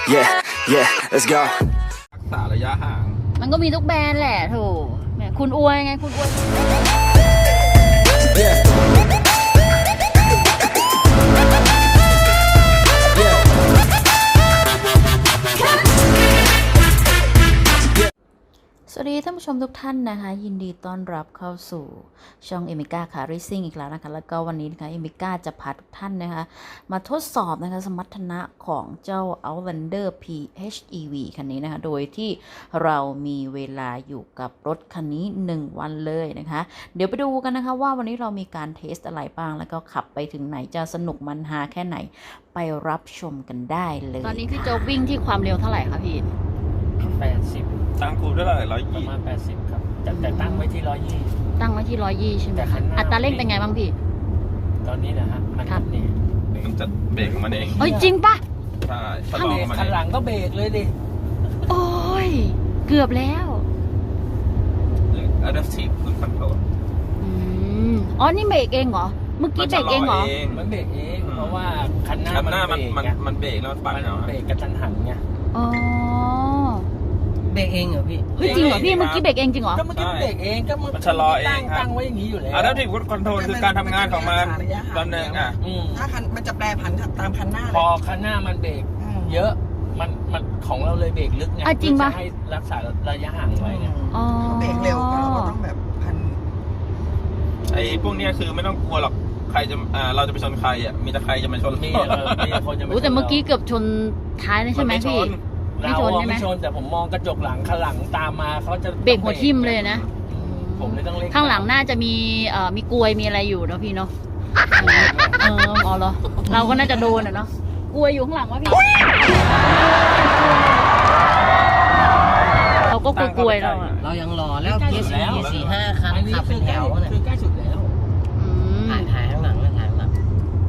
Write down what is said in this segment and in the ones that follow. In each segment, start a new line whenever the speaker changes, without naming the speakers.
Yeah, yeah, let's go.
รักษาระยะห่าง
มันก็มีทุกแบรนด์แหละถูกแหมคุณอวยไงคุณอวย
Yeah. Yeah.
สวัสดีท่านผู้ชมทุกท่านนะคะยินดีต้อนรับเข้าสู่ช่องเอมิก้าคาร์ริซิ่งอีกแล้วนะคะแล้วก็วันนี้นะคะเอมิก้าจะพาทุกท่านนะคะมาทดสอบนะคะสมรรถนะของเจ้า Outlander PHEV คันนี้นะคะโดยที่เรามีเวลาอยู่กับรถคันนี้1วันเลยนะคะเดี๋ยวไปดูกันนะคะว่าวันนี้เรามีการเทสอะไรบ้างแล้วก็ขับไปถึงไหนจะสนุกมันฮาแค่ไหนไปรับชมกันได้เลยตอนนี้พี่โจ๊กวิ่งที่ความเร็วเท่าไหร่คะพี่
80
ตั้งคูณด้วยอะไร
ประ
120
มาณ80ครับแต่ตั้งไว้ที่120
ตั้งไว้ที่120ใช่ไหม
แต่คั
คะ
นหน้า
อัตราเร่งเป็นไงบ้างพี่
ตอนนี้นะฮะมัน
ครับ
นี่
มันจะเบรกของมันเอง
เอ้ยจริงปะ
ใช่ชะ
ถ้า
ลอ
เบรก
มัน
คัน
เอง
หลังก็เบรกเลยดิ
โอ้ยเกือบแล้ว
Adaptive Cruise Control
อ๋อนี่เบรกเองเหรอเมื่อกี้เบรกเองเหรอ
มันเบรกเองเพราะว่าคันหน้า
คันหน้ามัน
เบรก
มันเบรกแล้วมันปัด
มัน
เอา
เบรกกระทันหันไง
อ๋อ
เบรกเองเหรอพี่
เฮ้ยจริงเหรอพี่เมื่อกี้เบรกเองจริงเหรอ
ก็เมื่อกี้มันเบรกเองก็
มันชะลอเองครับ
ตั้งไว้อย่างนี้อยู่แล้ว
Adaptive Cruise Control คือการทำงานของมันตอนหนึ่งอ่ะ
ถ้าคันมันจะแปรผันตามคันหน้า
พอคันหน้ามันเบรกเยอะมันของเราเลยเบรกลึกไง
อ่ะจริงปะ
เพื่อให้รักษาระยะห่างไว้ไง
อ๋อ
เบรกเร็วก็เราก็ต้องแบบพัน
ไอ้พวกเนี้ยคือไม่ต้องกลัวหรอกใครจะเราจะไปชนใครอ่ะมีแต่ใครจะมาชน
มีคนจะไม่
โอ้แต่เมื่อกี้เกือบชนท้ายเลยใช่ไหมพี่ ไม่
เรา
ชนใช่ไหม
ไม่ชนแต่ผมมองกระจกหลังคันหลังตามมาเขาจะ
เบรกหัวทิ่มเลยนะ
ผมเลยต้องเร่ง
ข้างหลังน่าจะมีมีกลวยมีอะไรอยู่เนาะพี่เนาะอ๋อเหรอเราก็น่าจะโดนอ่ะเนาะกลวยอยู่ข้างหลังวะพี่เราก็กลัวๆเราอ่ะ
เรายังรอแล้วพีซี4-5 คันขับเป็นแถวเนี่ย
คือใกล้สุดแล้ว
ถ่ายข้างหลังเลยถ่ายข้างหลัง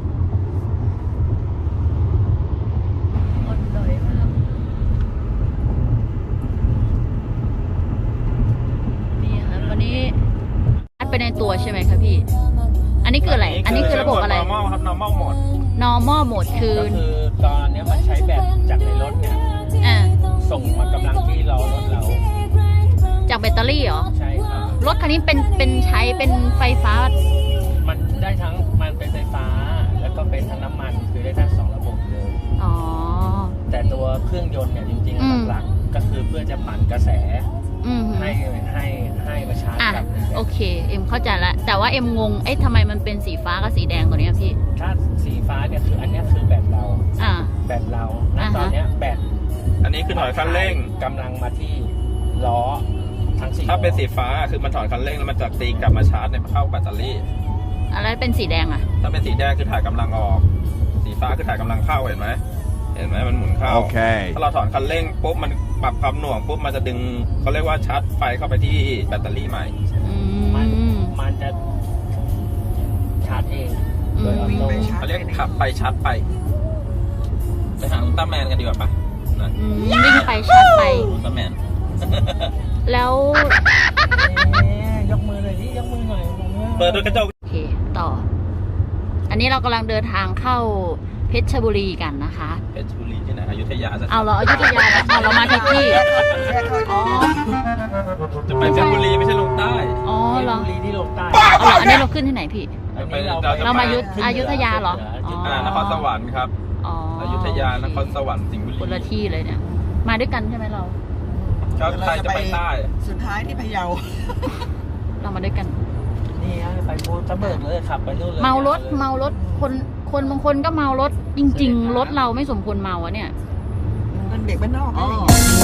นี่ค่ะวันนี้อัดไปในตัวใช่ไหมคะพี่ อันนี้คืออะไร อันนี้คือระบบอะไร
normal ครับ normal mode
normal mode คือ
ก็คือตอนนี้มันใช้แบตจากในรถเนี่ย
อ่า
ส่งมากำลังที่ล้อรถเรา
จากแบตเตอรี่เหรอ
ใช่ครับ
รถคันนี้เป็นใช้เป็นไฟฟ้า
มันได้ทั้งมันเป็นไฟฟ้า แล้วก็เป็นทั้งน้ำมันคือได้ทั้ง2ระบบเลย
อ๋อ
แต่ตัวเครื่องยนต์เนี่ยจริง
อืม
ๆหลักๆก็คือเพื่อจะปั่นกระแส
อืม
ให้มาชาร์จ
อ่ะ
กับ
โอเค เอ็มเข้าใจละแต่ว่าเอ็มงง เอ๊ะทำไมมันเป็นสีฟ้ากับสีแดงตัวเนี้ยพี่
ถ้าสีฟ้าเนี่ยคืออันเนี้ยคือแบตเรา
อ่า
แบตเราณ
อ่าฮะ
ตอนเนี้ยแบต
อันนี้คือถอยคันเร่ง
กำลังมาที่ล้อทั้ง4
ถ้าเป็นสีฟ้าคือมันถอยคันเร่งแล้วมันจะตีกลับมาชาร์จในเข้าแบตเตอรี่
อะไรเป็นสีแดงอ่ะ
ถ้าเป็นสีแดงคือถ่ายกำลังออก สีฟ้าคือถ่ายกำลังเข้าเห็นไหมมันหมุนเข้า
โอเค
ถ้าเราถอนคันเร่งปุ๊บมันปรับความหน่วงปุ๊บมันจะดึงเขาเรียกว่าชาร์จไฟเข้าไปที่แบตเตอรี่ใหม่
อื
มันจะชาร์จเองโดยออโต้
เขาเรียกขับไปชาร์จไปหาอุลตร้าแมนกันดีกว่าปะนะ
วิ่งไปชาร์จไป
อุลตร้าแมน
แล้ว
ยกมือเลยดิยกมือหน่อย
เปิดด้วยกระจก
โอเค ต่อ อันนี้เรากำลังเดินทางเข้าเพชรบุรีกันนะคะ
เพชรบุรีที่ไหนอยุธยาจะ
เอาเราอยุธยาแล้วเอาเรามาที่ที่อ๋อ
จะไปเพชรบุรีไม่ใช่ลงใต้
อ๋อเหรอ
บุรีที่ลงใต้
เอาเหรออันนี้เราขึ้นที่ไหนพี่
อันนี้
เรามาอยุธยาเหรออ๋อ
นครสวรรค์ครับ
อ๋อ
อยุธยานครสวรรค์สิงห์บุรี
คนละที่เลยเนี่ย มาด้วยกันใช่ไหมเรา
ก็ใครจะไปใต้
สุดท้ายที่พะเยา
เรามาด้วยกัน
นี่ไปภูทับเบิกเลยขับไปนู่นเลย
เมารถคนบางคนก็เมารถจริง ๆ รถเราไม่สมควรเมาอะเนี่ย
มันเบรกบ้านนอก
อ๋อ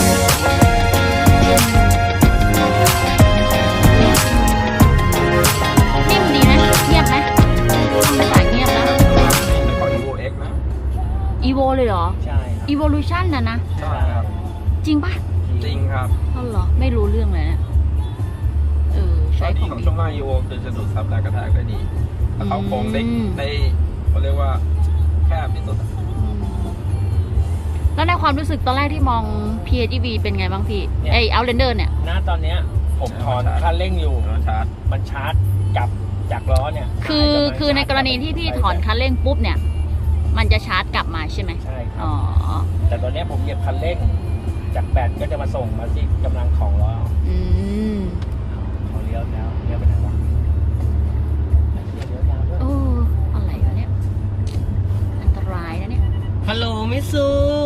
นิ่มดีนะเงียบไหมไม่สายเงียบนะ
นคร Evo X นะ
Evo เลยเหรอ
ใช่ครับ
Evolution นะ
ใช่ครับ
จริงปะ
จริงครับ
อ๋อเหรอ ไม่รู้เรื่องเลยนะใช้
ข้อ
ข
ดี
อง
ของ
ดี
ช่วงล่าง Evo คือจะดูดซับแรงกระแทกได้ดีแล้วเขาโค้งได้เขาเรียกว่าแคบที่สุด
แล้วในความรู้สึกตอนแรกที่มอง PHEV เป็นไงบ้างพี่ไอ Outlander เนี่ย
ณตอนเนี้ยผมถอนคันเร่งอยู่
ชาร์จ
มันชาร์จกลับจากล้อเนี่ย
คือในกรณีที่พี่ถอนคันเร่งปุ๊บเนี่ยมันจะชาร์จกลับมาใช่ไหม
ใช่ครั
อ๋
บ
อ
แต่ตอนนี้ผมเหยียบคันเร่ง จากแบตก็จะมาส่งมาที่กำลังของล้อ
อืม
เขาเลี้ยวแล้วเลี้ยวไปไหนวะเลี้ยวยาวด้วย
โอ้ อะไรวะเนี่ย อันตรายนะเนี่ย
ฮัลโหลมิสู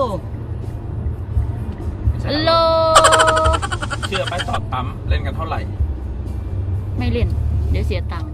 ฮัลโหล
เชื่อไหมจอดปั๊มเล่นกันเท่าไหร่
ไม่เล่น เดี๋ยวเสียตังค์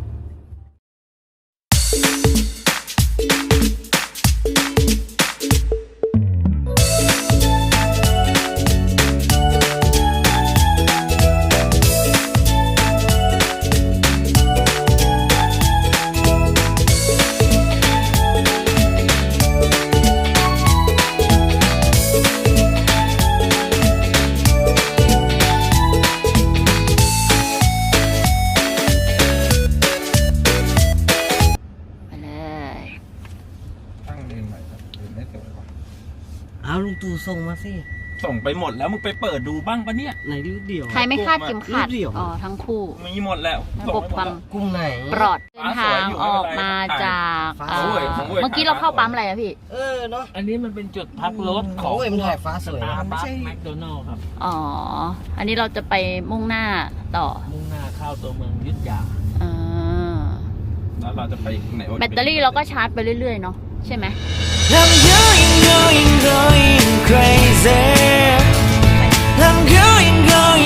ไปเลย
ตั้งเรียนใหม่ครับเรียนไม่สวยว่ะ
เอาลุงตู่ส่งมาสิ
ส่งไปหมดแล้วมึงไปเปิดดูบ้างปะเนี่ย
ไหนรูปเดียว
ใครไม่คาดเข็มขัด
รูปเดียว
อ๋อ ทั้งคู่
มีหมดแล้ว
ระบบความ
กลุ่มไหน
ปลอดเดินทางออกมาจาก
ฟ้า
เอ่
สวย
อ
ของเว้ย
เมื่อกี้เราเข้าปั๊มอะไรอะพี่
เออเนาะ
อันนี้มันเป็นจุดพักรถข
ขอ
อง ง
เอ็มถ่ายฟ้าสวย
สตา
นะ
ร์
ไม่
บัค
ใช่
แมคโดนัลล์ครับ
อ๋อ อันนี้เราจะไปมุ่งหน้าต่อ
มุ่งหน้าเข้าตัวเมืองอยุทธยา
อ่า
แล้วเราจะไปไหน
แบตเตอรี่เราก็ชาร์จไปเรื่อยๆเนาะใช่ไหม
I'm going crazy. I'm going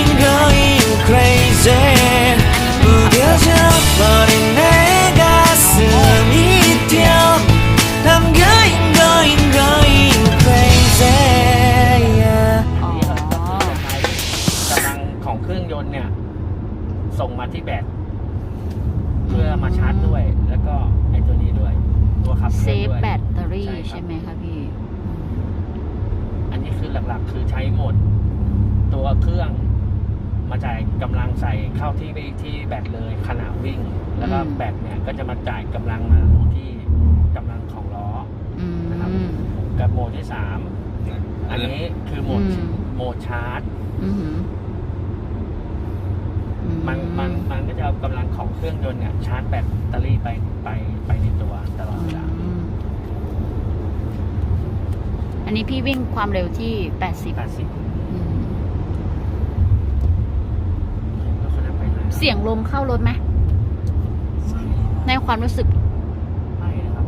crazy. 무뎌져 버린 내 가슴이 뛰어. I'm going crazy. Yeah.
อ๋อ
กำลังของเครื่องยนต์เนี่ย ส่งมาที่แบตเพื่อมาชาร์จด้วย แล้วก็ไอตัวนี้ด้วย ตัวขับเค
เซ
ลื่อน
ฟ
ด้วย
แบตเตอรี่
ใช่ครับ
ใช่ไหมคะพี่
อันนี้คือหลักๆ คือใช้โหมด ตัวเครื่องมาจ่ายกำลังใส่เข้าที่แบตเลยขณะวิ่ง แล้วก็
อืม
แบตเนี่ยก็จะมาจ่ายกำลังมาลงที่กำลังของล้อ
อืม
นะครับ กับโหมดที่ 3 อันนี้คือโหมด
อืม
โหมดชาร์จ
อืมอื
มันก็จะเอากำลังของเครื่องยนต์เนี่ยชาร์จแบตเตอรี่ไปในตัวตลอดเวลา
อืมอันนี้พี่วิ่งความเร็วที่ 80
80
อืม
แล้วเขาจะไปไหน
เสียงลมเข้ารถไหมในความรู้สึก
ไม่นะครับ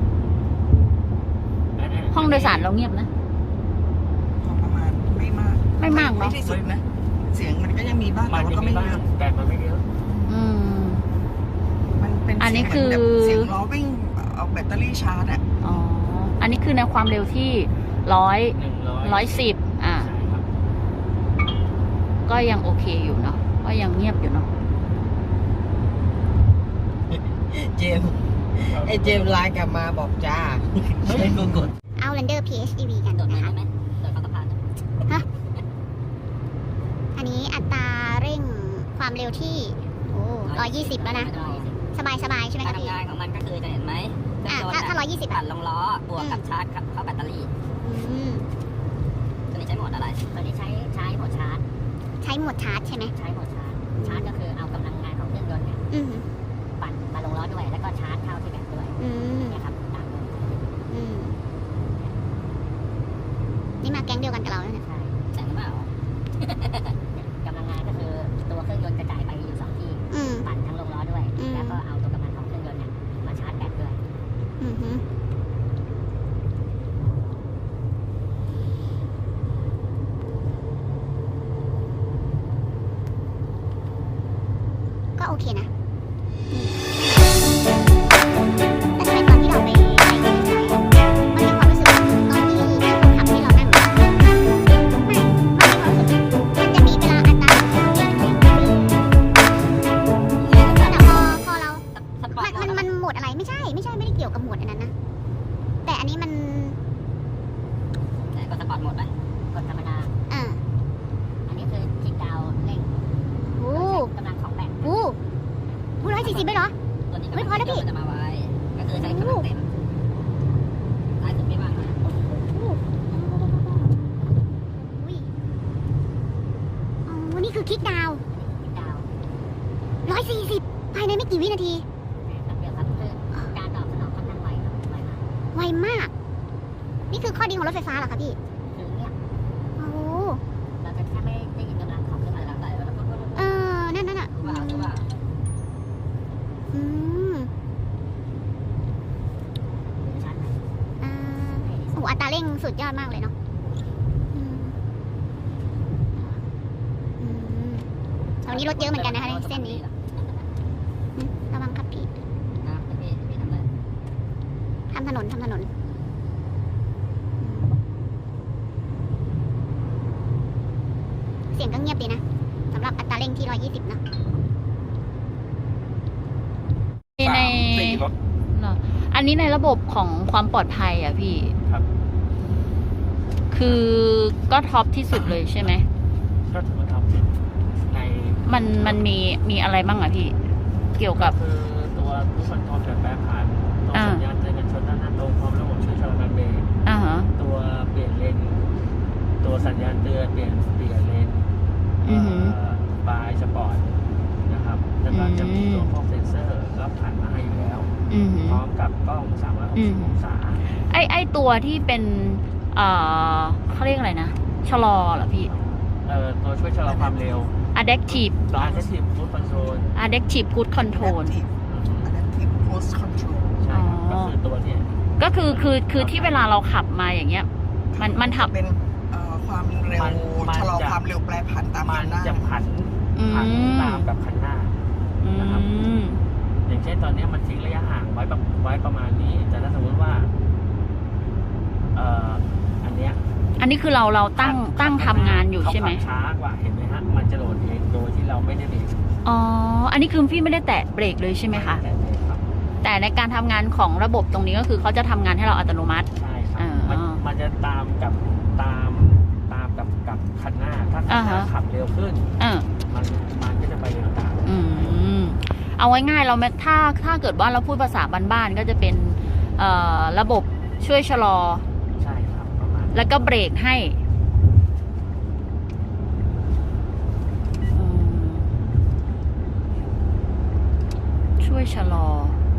ห้องโดยสารเราเงียบนะ
ประมาณไม่มาก
ไม่มาก
ไม่
เนาะ
ที่สุดนะ เสียงมันก็ยังมีบ้าง
มั
แต่
น
ว่า
จะ
ก็
มี
ไม่
บ้า
เย
ง
อะ
แต่มันไม่เยอะ
อืม
มันเป็น
อันนี้
เสียง
คือ
แบบเสียงล้อวิ่งเอาแบตเตอรี่ชาร์จอะ
อ๋อ อันนี้คือในความเร็วที่110 อ่า
ใช่ครับ
ก็ยังโอเคอยู่เนาะ ก็ยังเงียบอยู่เนาะ
เจมส์ไอเจมส์ไลน์กลับมาบอกจ้าให้กูกด
เอา Lander PHEV กันนะคะฮะอันนี้อัตราเร่งความเร็วที่120 แล้วนะ สบายๆใช่ไหม
การ
คะพี่
ทำงานของมันก็คือจะเห็นไหม
ถ้า120
ปั่
อ่ะ
นลงล้อบวกกับชาร์จเข้าแบตเตอรี่
อืม
ตัวนี้ใช้โหมดอะไร
ตัวนี้ใช้โหมดชาร์จ
ใช้โหมดชาร์จใช่ไหม
ใช้โหมดชาร์จ ชาร์จก็คือเอากำลังงานของเครื่องยนต์เนี่ย
อืม
ปั่นมาลงล้อด้วย แล้วก็ชาร์จเข้าที่แบตด้วย
อืม
เนี่ยครับตามเลย
อืมนี่มาแก๊งเดียวกันกับเราเนี่ย
ใช่
แต่งหรือเปล่า
กำลังงานก็คือตัวเครื่องยนต์กระจายไปอยู่2ที่
อืม
ปั่นทั้งลงล้อด้วย
อืม
แล้วก็เอาตัวกำลังของเครื่องยนต์เนี่ยมาชาร์จแบตด้วย
อืมฮึก็โอเคนะแต่ทำไมตอนที่เราไปมันมีความรู้สึกว่าตอนที่คนขับให้เรานั่งมันมีความรู้สึกมันจะมีเวลาอัตราแต่พอเรา
สปอร์ตโหมด
มันโหมดอะไรไม่ได้เกี่ยวกับโหมดอันนั้นนะ แต่อันนี้มัน
ไหนก็สปอร์ตโหมดไป
กดธรรมดา
อ่า
อันนี้คือคลิกดาวน์เร่ง
โอ้
กำลังของแบต
โห140เลยเหรอ
ตัวนี้
ไม่พอแล้วพี่
จะมาไวก็คือใช้กำลังเต็มซ้ายสุดไม่ว่างนะ
อุ้ยอ๋อนี่คือคลิกดาวน์
คลิกดาวน์
140 ภายในไม่กี่วินาที
แป๊บเดียวครับคือการตอบสนองค่อนข้างไวครับไวมาก
ไวมาก นี่คือข้อดีของรถไฟฟ้าเหรอคะพี่
คือเงียบ
โอ้
เราจะแทบไม่ได้ยินกำลังของเครื่องอะไรต่างๆแล้วก็
นั่นน่ะ
รู้ว่า
อืม
ชัดไหม
โอ้อัตราเร่งสุดยอดมากเลยเนาะอืมตรงนี้รถเยอะเหมือนกันนะคะในเส้นนี้ระวังครับพี่
นะพี่ทำเลย
ทำถนนเสียงก็เงียบดีนะสำหรับอัตราเร่งที่ 120 นะ
ใน
3-4 รถ
เหรออันนี้ในระบบของความปลอดภัยอ่ะพี่
ครับ
คือก็ท็อปที่สุดเลยใช่ไหม
ก็ถือว่าทำใน
มันมีอะไรบ้างอะพี่ เกี่ยวกับ
คือตัวผู้คนทอมแบบแปรผันตัวสัญญาณเตือนกันชนด้านหน้าตรงพร้อมระบบช่วยชะลอการเบรก
อ่าฮะ
ตัวเปลี่ยนเลนตัวสัญญาณเตือนเปลี่ยนเลน
อือหือ
บายสปอร์ตนะครับแล้วก็จะมีตัวพวกเซ็นเซอร์รับผ่านมาให้อยู่แล้ว
อือหือ
พร้อมกับกล้อง360องศา
ไอตัวที่เป็นเขาเรียกอะไรนะ ชะลอเหรอพี่
ตัวช่วยชะลอความเร็ว
adaptive
ตัว Adaptive Cruise Control
adaptive cruise control
Adaptive Cruise Control
ใช่ครับก็คือตัวเนี่ย
ก็คือที่เวลาเราขับมาอย่างเงี้ย มันทำ
เป็นความเร็ว
มัน
ชะลอ
จะ
ความเร็วแปรผันตาม
มั
คั
น
นหน้า
จะผันตามกับคันหน้า นะครับ อย่างเช่นตอนนี้มันทิ้งระยะห่างไว้ประมาณนี้ แต่ถ้าสมมติว่าอันเนี้ย
อันนี้คือเราตั้งทำงานอยู่ใช่ไหม
เขาขับช้ากว่าเห็นไหมฮะมันจะโหลดเองโดยที่เราไม่ได้เบรก
อ๋อ อันนี้คือพี่ไม่ได้แตะเบรกเลยใช่ไหมคะ
แต่เบรกครับ
แต่ในการทำงานของระบบตรงนี้ก็คือเขาจะทำงานให้เราอัตโนมัติ
ใช่ครับ
อ่า
มันจะตามกับคันหน้าถ้าคันหน้า
อ่าฮะ
ขับเร็วขึ้น มันก็จะไปเร็วตาม
เอาไว้ง่ายเราถ้าเกิดว่าเราพูดภาษาบ้านๆก็จะเป็นระบบช่วยชะลอ
ใช่ครับประมาณ
แล้วก็เบรกให้ช่วยชะลอ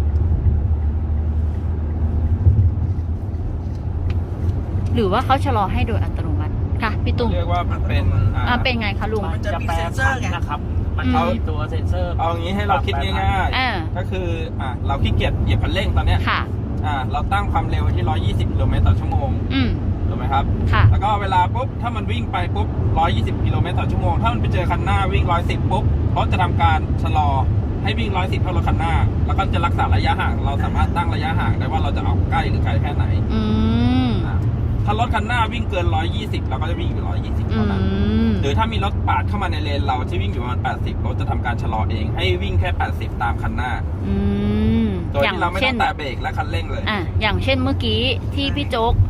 หรือว่าเขาชะลอให้โดยอัตโนมัติค่ะพี่ตุ้ม
เรียกว่ามันเป็น
เป็นไงคะลุง
มันจะแปรผันนะครับ มัน
อืม
มีตัวเซ็นเซอร์
เอางี้ให้เราคิดง่าย
อ่า
ๆ ก็คือเราขี้เกียจเหยียบคันเร่งตอนเนี้ย
ค่ะ
เราตั้งความเร็วไว้ที่ 120 กิโลเมตรต่อชั่วโมง ถูกไหมครับ
ค่ะ
แล้วก็เวลาปุ๊บ ถ้ามันวิ่งไปปุ๊บ 120 กิโลเมตรต่อชั่วโมง ถ้ามันไปเจอคันหน้าวิ่ง 110 ปุ๊บรถจะทำการชะลอให้วิ่ง 110 เท่ารถคันหน้า แล้วก็จะรักษาระยะห่าง เราสามารถตั้งระยะห่างได้ว่าเราจะเอาใกล้หรือไกลแค่ไหน ถ้ารถคันหน้าวิ่งเกิน 120 เราก็จะวิ่งอยู่ 120 เท่านั้น หรือถ้ามีรถปาดเข้ามาในเลนเราที่วิ่งอยู่ประมาณ 80 รถจะทำการชะลอเอง ให้วิ่งแค่ 80 ตามคันหน้า โดยที่เราไม่ต้องแตะเบรกและคันเร่งเลย
อย่างเช่นเมื่อกี้ที่พี่โจ๊ก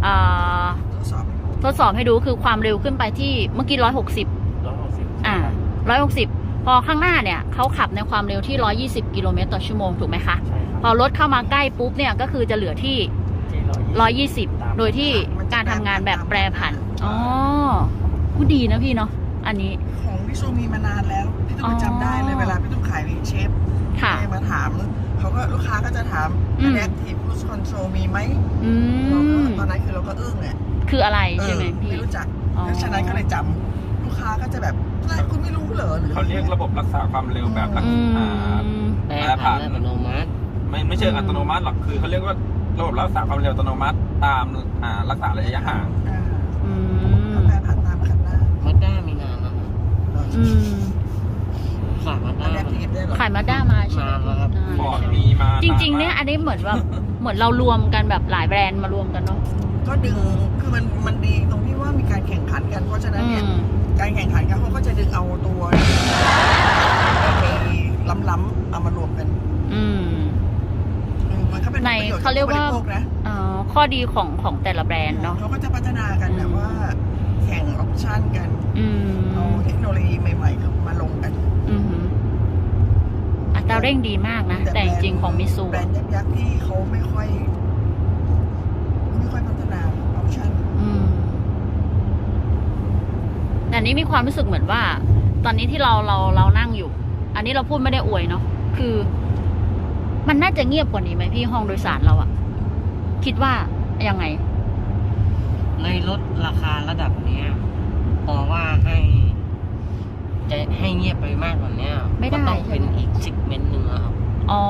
ทดสอบ
ทดสอบให้ดูคือความเร็วขึ้นไปที่เมื่อกี้160 160 พอข้างหน้าเนี่ยเขาขับในความเร็วที่120 กิโลเมตรต่อชั่วโมงถูกไหมคะ
ใช่ครับ
พอรถเข้ามาใกล้ปุ๊บเนี่ยก็คือจะเหลือที่ 120 โดยที่การทำงานแบบแปรผัน อ๋อกูดีนะพี่เนาะ อันนี้
ของพี่ซูมีมานานแล้ว พี่ตุ้มจำได้เลยเวลาพี่ตุ้มขายเชฟ
ค่ะ
มาถามเขาก็ลูกค้าก็จะถาม Adaptive Cruise Control มีไหม เราก็ตอนนั้นคือเราก็อึ้งอ่ะ
คืออะไรใช่ไหมพี่
ไม่รู้จัก
อ๋อ
แล้วฉะนั้นก็เลยจำลูกค้าก็จะแบบอะไรคุณไม่รู้เหรอหรือ
เขาเรียกระบบรักษาความเร็วแบบรัก
อื
ษา
ม
แปรผันอัตโนมัติ
ไม่เชิงอัตโนมัติหรอกคือเขาเรียกว่าระบบรักษาความเร็วอัตโนมัติตามรักษาระยะห่าง
เขาแปรผันตามคันหน้า
มาด้ามีนานแล้วนะขามาด้า
Adaptive ได้เหรอ
ขายมาด้ามาใช่ไหม
มาครับ
ฟอร์ดมีมา
จริงๆเนี่ยอันนี้เหมือนแบบเหมือนเรารวมกันแบบหลายแบรนด์มารวมกันเนาะ
ก็ดึงคือมันดีตรงที่ว่ามีการแข่งขันกันเพราะฉะนั้นเนี่ยการแข่งขันกันเขาก็จะดึงเอาตัวไปล้ำๆเอามารวมกันมันก็เป็นประโยชน์
เขาเรียกว่า
ผู้บริโภคนะ
ข้อดีของแต่ละแบรนด์เนาะ
เขาก็จะพัฒนากันแบบว่าแข่งออปชั่นกันเอาเทคโนโลยีใหม่ๆมาลงกัน
อัตราเร่งดีมากนะ แต่จริงๆของมิซู
แบรนด์ยักษ์ที่เขาไม่ค่อยพัฒนาออปชั่น
แต่นี้มีความรู้สึกเหมือนว่า ตอนนี้ที่เรานั่งอยู่ อันนี้เราพูดไม่ได้อวยเนาะคือ มันน่าจะเงียบกว่านี้ไหมพี่ห้องโดยสารเราอะคิดว่ายังไง
ในรถราคาระดับเนี้ยพอว่าจะให้เงียบไปมากกว่านี้
ไม่ได้
ก็ต้องเป็นอีกซิกเมนต์หนึ่งอะครับ
อ๋อ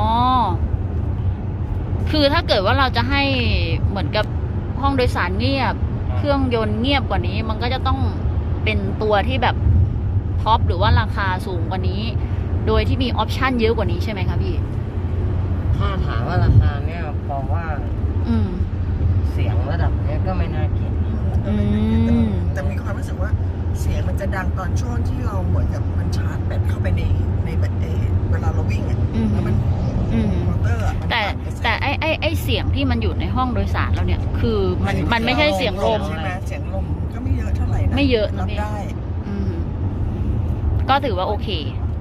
คือถ้าเกิดว่าเราจะให้เหมือนกับห้องโดยสารเงียบ เครื่องยนต์เงียบกว่านี้ มันก็จะต้องเป็นตัวที่แบบท็อปหรือว่าราคาสูงกว่านี้ โดยที่มีออปชันเยอะกว่านี้ใช่ไหมคะพี่
ถ้าถามว่าราคาเนี่ยพอว่า
อืม
เสียงระดับเนี้ยก็ไม่น่าเกลียด
อืม
แต่มีความรู้สึกว่าเสียงมันจะดังตอนช่วงที่เราเหมือนกับมันชาร์จแบตเข้าไปในแบตเวลาเราวิ่งอ่ะ
อืม
แล้วมัน
อืม
มอเตอร์อะมัน
แต่
ปั่นกระแส
แต่ไอเสียงที่มันอยู่ในห้องโดยสารเราเนี่ย คือมันไม่ใช่เสียงลม
ใช่ไหมเสียงลมก็ไม่เยอะเท่าไหร่นะ
ไม่เยอะนะ
รับ
พี่
ได้
อืม ก็ถือว่าโอเค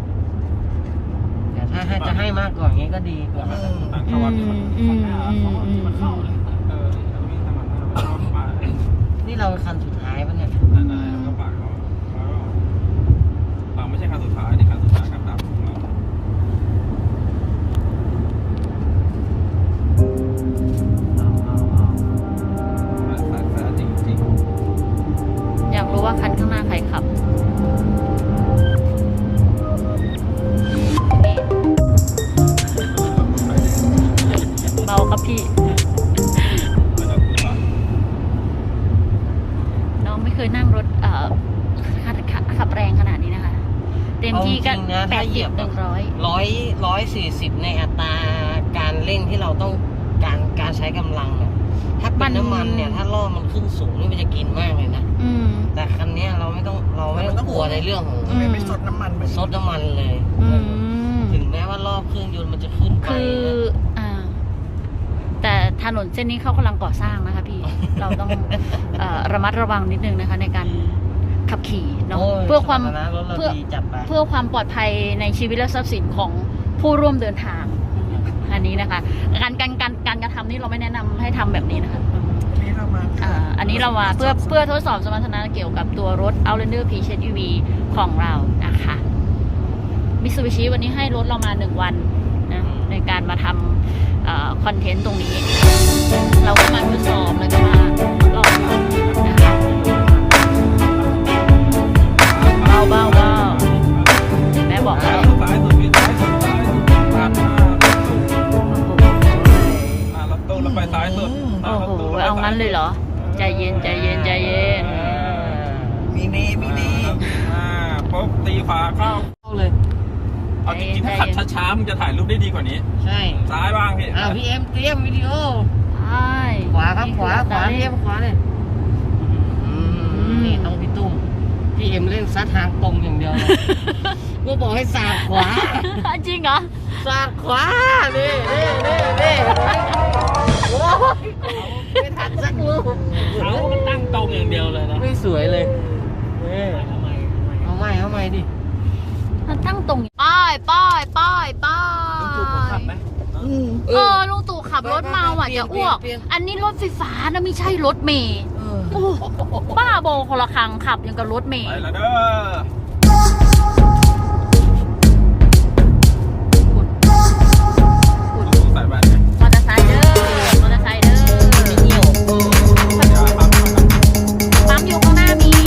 แต่ถ้าจะให้มากกว่านี้ก็ดีกว่า
ต่างจังหวัดที่มันข้างหน้าที่มันเข้าเลยเราวิ่งทางหน้าเราไป
นี่เราคันสุดท้ายปะเนี่ย
นั่นๆแล้วก็ปากเราไม่ใช่ครั้งสุดท้ายนี่ครั้งสุดท้ายครับตามของเราแฟร์จริง
อยากรู้ว่าคันข้างหน้าใครขับ เบาครับพี่ น้องไม่เคยนั่งรถขับแรงขนาดนี้นะคะ เต็มที่ก็
เอาจริงนะ
แป
ถ้า
ด
เหยี
สิ
ย
บบ หนึ่งร้อย
140ในอัตราการเร่งที่เราต้องการใช้กำลังเนี่ยถ้าเป็นน้ำมันเนี่ยถ้าล่อมันขึ้นสูงนี่มันจะกินมากเลยนะ
อืม
แต่คันเนี้ยเราไม่ต้องกลัวในเรื่องของ
อืม
ไม่ซดน้ำมันเหมือน
ซดน้ำมันเลย
อืม
ถึงแม้ว่ารอบเครื่องยนต์มันจะขึ้นไป
คือ
นะ
แต่ถนนเส้นนี้เขากำลังก่อสร้างนะคะพี่ เราต้องระมัดระวังนิดนึงนะคะ ในการขับขี่เนาะ
โอ้ย
เพื่อความ
สมรรถนะรถเรา
เพื่อ
ดีจัดไป
เพื่อความปลอดภัยในชีวิตและทรัพย์สินของผู้ร่วมเดินทางอันนี้นะคะ การกระทำนี่เราไม่แนะนำให้ทำแบบนี้นะคะ
นี่เรามา
อันนี้เรามาเพื่อทดสอบสมรรถนะเกี่ยวกับตัวรถ Outlander PHEV ของเรานะคะมิตซูบิชิวันนี้ให้รถเรามา1 วันนะในการมาทำคอนเทนต์ตรงนี้ เราก็มาทดสอบแล้วก็มาลองนะคะเบาแม่บอกแล้ว
ซ้ายสุดพี่ซ้ายสุดปาดหน้ารถตู้เราไปซ้ายสุด
โอ้โหเอางั้นเลยเหรอ ใจเย็น
มีเน
ปุ๊บตีขวาเข้า
เข้าเลย
เอาจริงๆถ้าขับช้าๆมึงจะถ่ายรูปได้ดีกว่านี้
ใช่
ซ้ายบ้างพี่
พี่เอ็มเตรียมวิดีโอ
ใช่
ขวาครับขวาพี่เอ็มขวาเลยนี่ต้องพี่ตุ้มพี่เอ็มเล่นซัดทางตรงอย่างเดียวเลยกูบอกให้สาดขวา
จริงเหรอ
สาดขวานี่โอ้ยไม่ทันสักลูก
เขามันตั้งตรงอย่างเดียวเลยนะ
ไม่สวยเลยเอาใหม่ดิ
มันตั้งตรงป้าย ลุงตู่ขับรถเมาอ่ะจะอ้วก อันนี้รถไฟฟ้านะไม่ใช่รถเมย์โอ้บ้าโบคนละครังขับยังกับรถเมย์
ไปแล้วเด้อดูใส่แว่นไง
มอเตอร์ไซค์เด้อ
เดี๋ยวครับ
ปั๊มอยู่ข้างหน้ามี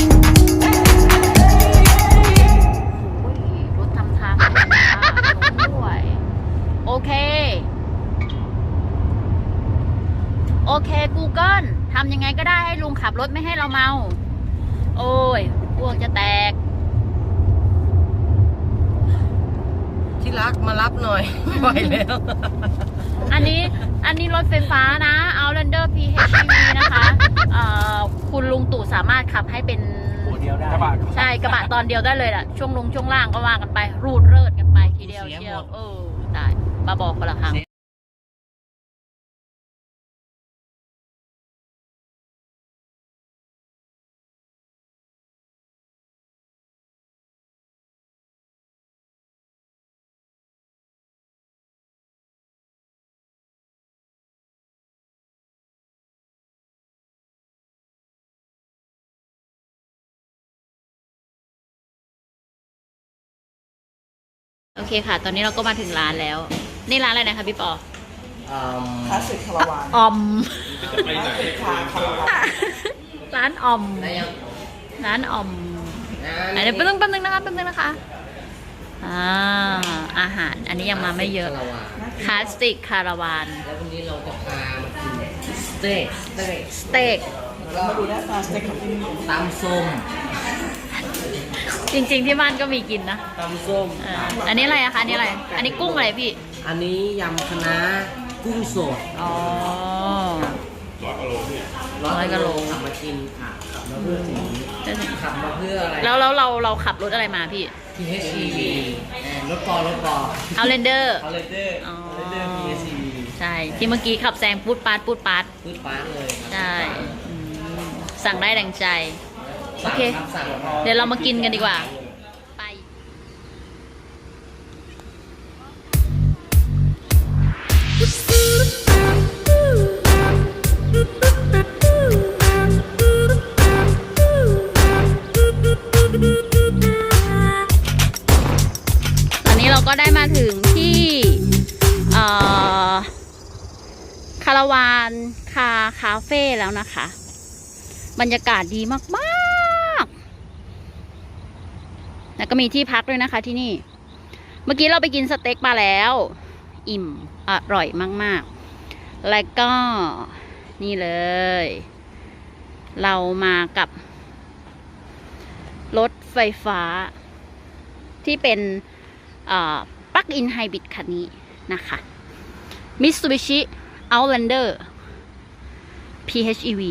โอ้ยรถทำทางด้วยโอเค Google ทำยังไงก็ได้ให้ลุงขับรถไม่ให้เราเมา โอ้ยอ้วกจะแตก
ที่รักมารับหน่อยไม่ไหวแล้ว
อันนี้รถไฟฟ้านะ Outlander PHEV นะคะคุณลุงตู่สามารถขับให้เป็น
เดียวได้
กระบะ
ใช่กระบะตอนเดียวได้เลยล่ะช่วงลงช่วงล่างก็ว่ากันไป รูดเริดกันไปทีเดียวเชียวได้มาบอกคนละครั้งโอเคค่ะ ตอนนี้เราก็มาถึงร้านแล้ว นี่ร้านอะไรนะคะพี่ปอ
คลาสสิกคาราวาน
อม
จะไปไหน
คาราวาน
ร้านอม ร้านอมไหนเดี๋ยวแป๊บนึงนะคะอาหารอันนี้ยังมาไม่เยอะคลาสสิกคาราวาน
แล้ววันนี้เราจะพามากินสเต็ก
สเต็ก
มาดูหน้าตาสเต็กของที่นี่
ตำส้ม
จริงๆที่บ้านก็มีกินนะ
ตำส้ม
อันนี้อะไรอะคะอันนี้อะไร อันนี้กุ้งอะไรพี่
อันนี้ยำคะน้ากุ้งสด
อ๋อ
100 กว่าโลขับมากินค่ะขับมาเพื่อสิ่งนี้ขับมาเพื่ออะไร
แล้วเราขับรถอะไรมาพี่
PHEV รถปอ
เอาเรนเดอร์
เอาเลเดอร์
อ๋อ
PHEV
ใช่ ที่เมื่อกี้ขับแซงปูดปาด
พืชป้าเลยครับ
ใช่อืมสั่งได้ดังใจ โอเค
สั่ง
เดี๋ยวเรามากินกันดีกว่า ไป ตอนนี้เราก็ได้มาถึงที่คาราวานคาเฟ่แล้วนะคะ บรรยากาศดีมากๆแล้วก็มีที่พักด้วยนะคะที่นี่ เมื่อกี้เราไปกินสเต็กมาแล้ว อิ่มอร่อยมากๆ แล้วก็นี่เลย เรามากับรถไฟฟ้า ที่เป็นปลั๊กอินไฮบริดคันนี้นะคะ Mitsubishi Outlander PHEV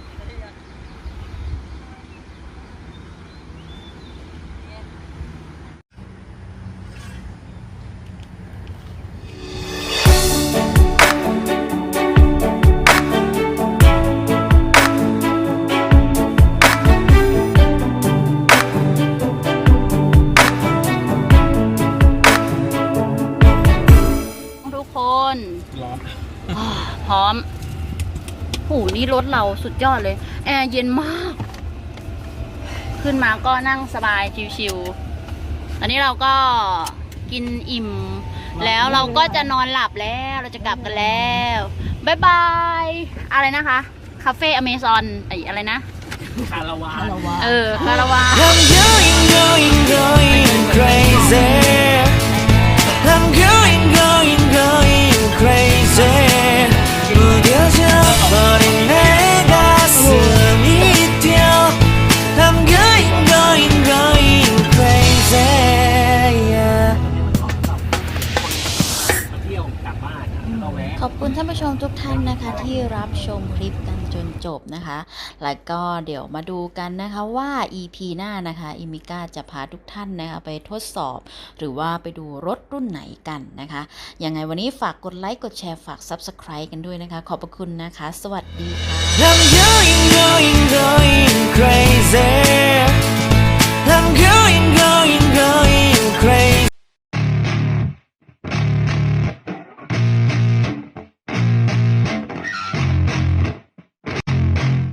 ทุกคน
ร้อน
พร้อมหูนี่รถเราสุดยอดเลย แอร์เย็นมาก ขึ้นมาก็นั่งสบายชิวๆตอนนี้เราก็กินอิ่ม แล้วเราก็จะนอนหลับแล้ว เราจะกลับกันแล้ว บ๊ายบาย อะไรนะคะ คาเฟ่อเมซอนอะไรนะ
คาราวาน
คาราวาน
I'm going crazy I'm going crazy 무뎌져 버린 내 가슴이 뛰어 I'm going crazy yeah.
มาเที่ยวกลับบ้านก็แวะ
ขอบคุณท่านผู้ชมทุกท่านนะคะที่รับชมคลิปกันจนจบนะคะ แล้วก็เดี๋ยวมาดูกันนะคะว่า EP หน้านะคะอิมิก้าจะพาทุกท่านนะคะไปทดสอบ หรือว่าไปดูรถรุ่นไหนกันนะคะ ยังไงวันนี้ฝากกดไลค์กดแชร์ฝาก Subscribe กันด้วยนะคะ ขอบพระคุณนะคะ สวัสดีค่ะ
I'm going crazy I'm going